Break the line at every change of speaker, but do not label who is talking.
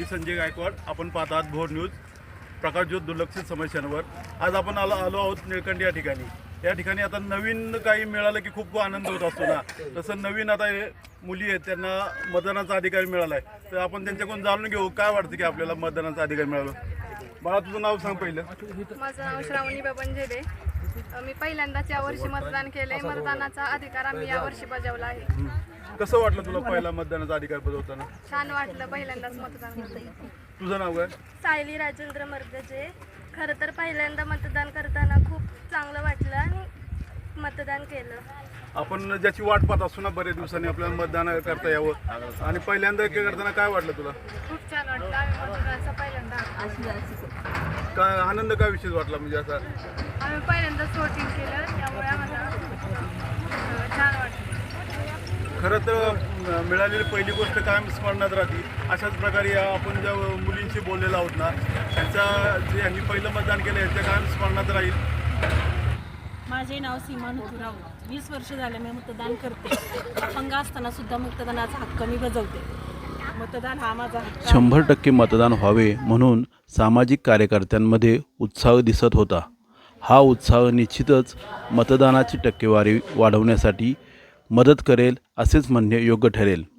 संजय गायकवाड. आपण पाहत आहात भोर न्यूज, प्रकाशज्योत दुर्लक्षित समस्यांवर. आज आपण आलो आहोत निळकंठी या ठिकाणी. या ठिकाणी आता नवीन काही मिळालं की खूप आनंद होत असतो ना, तसं नवीन आता हे मुली आहेत त्यांना मतदानाचा अधिकार मिळाला आहे. तर आपण त्यांच्याकडून जाणून घेऊ काय वाटतं की आपल्याला मतदानाचा अधिकार मिळाला. बाळा, तुझं नाव सांग पहिलं.
माझं नाव श्रावणी बबन झेडे. मी पहिल्यांदाच यावर्षी मतदान केलंय. मतदानाचा अधिकार आम्ही यावर्षी बजावला आहे.
कसं वाटलं तुला पहिला मतदानाचा अधिकार बजावताना?
छान वाटलं पहिल्यांदाच मतदान केलं.
तुझं नाव काय?
सायली राजेंद्र मर्गजे. खरं तर पहिल्यांदा मतदान करताना खूप चांगलं वाटलं आणि मतदान केलं.
आपण ज्याची वाट पाहत असतो ना बरेच दिवसांनी आपल्याला मतदान करता यावं, आणि पहिल्यांदा करताना काय वाटलं तुला?
खूप छान वाटलं. आम्ही मतदानाचा पहिल्यांदा
काय आनंद काय विषय वाटला म्हणजे असा?
आम्ही पहिल्यांदाच वोटिंग केलं, त्यामुळे आम्हाला छान वाटलं.
खरं तर मिळालेली पहिली गोष्ट कायम स्मरणात राहते. अशाच प्रकारे आपण ज्या मुलींशी बोललेलो आहोत ना, त्यांचा जे यांनी पहिलं मतदान केलं यांच्या कायम स्मरणात राहील.
माझे नाव सीमा नुतुराव. 20 वर्ष झाले मी मतदान करते. अपंग असताना सुद्धा मतदानाचा हक्क मी बजावते. मतदान हा माझा हक्क.
100% मतदान व्हावे म्हणून सामाजिक कार्यकर्त्यांमध्ये उत्साह दिसत होता. हा उत्साह निश्चितच मतदानाची टक्केवारी वाढवण्यासाठी मदत करेल असेच म्हणणे योग्य ठरेल.